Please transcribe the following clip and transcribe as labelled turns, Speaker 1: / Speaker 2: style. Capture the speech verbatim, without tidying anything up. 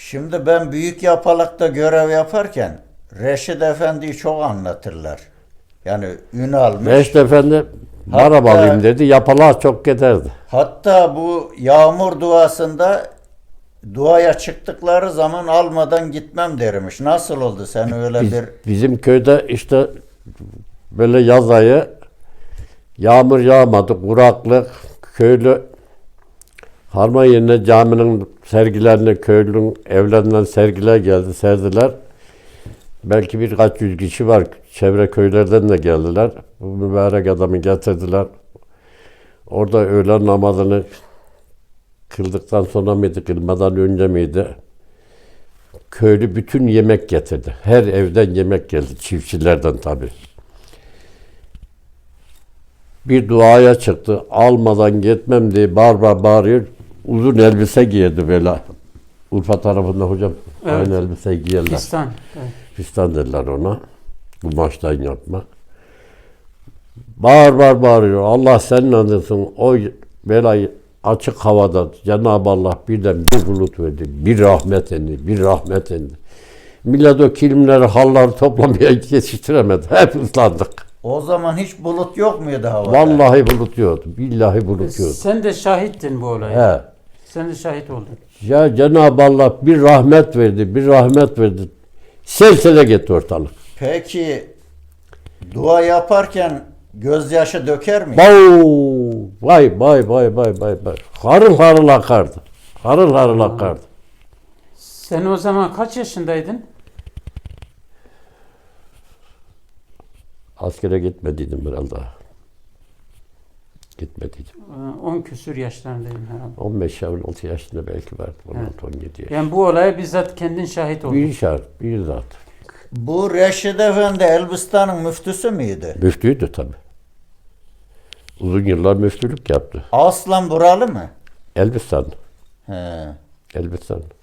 Speaker 1: Şimdi ben Büyük Yapalak'ta görev yaparken Reşit Efendi'yi çok anlatırlar. Yani ün almış.
Speaker 2: Reşit Efendi araba alayım dedi. Yapalığa çok giderdi.
Speaker 1: Hatta bu yağmur duasında duaya çıktıkları zaman almadan gitmem dermiş. Nasıl oldu sen öyle
Speaker 2: Biz,
Speaker 1: bir...
Speaker 2: bizim köyde işte böyle yaz ayı yağmur yağmadı, kuraklık, köylü harman yerine caminin sergilerine köylünün evlerinden sergiler geldi, serdiler. Belki birkaç yüz kişi var. Çevre köylerden de geldiler. Bu mübarek adamı getirdiler. Orada öğlen namazını kıldıktan sonra mıydı, kılmadan önce miydi? Köylü bütün yemek getirdi. Her evden yemek geldi. Çiftçilerden tabii. Bir duaya çıktı. Almadan gitmem diye bağır bağır bağırıyor. Uzun elbise giydi böyle. Urfa tarafında hocam. Evet. Aynı elbise giyerler.
Speaker 3: Fistan. Evet.
Speaker 2: Fistan dediler ona. Kumaştan yapma. Bağır bağır bağırıyor. Allah senin adısın. O belayı açık havada Cenab-ı Allah birden bir bulut verdi. Bir rahmet indi. Bir rahmet indi. Millet o kilimleri, halları toplamaya yetiştiremedi. Hep ıslandık.
Speaker 1: O zaman hiç bulut yok muydu havada?
Speaker 2: Vallahi bulut yoktu. Billahi bulut yoktu.
Speaker 3: Sen de şahittin bu olaya.
Speaker 2: He.
Speaker 3: Sen de şahit oldun.
Speaker 2: Ya Cenab-ı Allah bir rahmet verdi. Bir rahmet verdi. Selsele gitti ortalık.
Speaker 1: Peki dua yaparken gözyaşı döker mi?
Speaker 2: Bau! Vay vay vay vay vay vay. Harıl harıl akardı. Harıl harıl akardı.
Speaker 3: Sen o zaman kaç yaşındaydın?
Speaker 2: Askere gitmediydim biraz daha. Gitmediydim.
Speaker 3: on küsür yaşlarındaydın herhalde.
Speaker 2: on beş on altı yaşında belki vardı.
Speaker 3: Evet.
Speaker 2: on yedi yaş.
Speaker 3: Yani bu olaya bizzat kendin şahit oldun.
Speaker 2: Bir şart, bir zat.
Speaker 1: Bu Reşit Efendi Elbistan'ın müftüsü müydü?
Speaker 2: Müftüydü tabii. Uzun yıllar müftülük yaptı.
Speaker 1: Aslan buralı mı?
Speaker 2: Elbistan.
Speaker 1: He.
Speaker 2: Elbistan.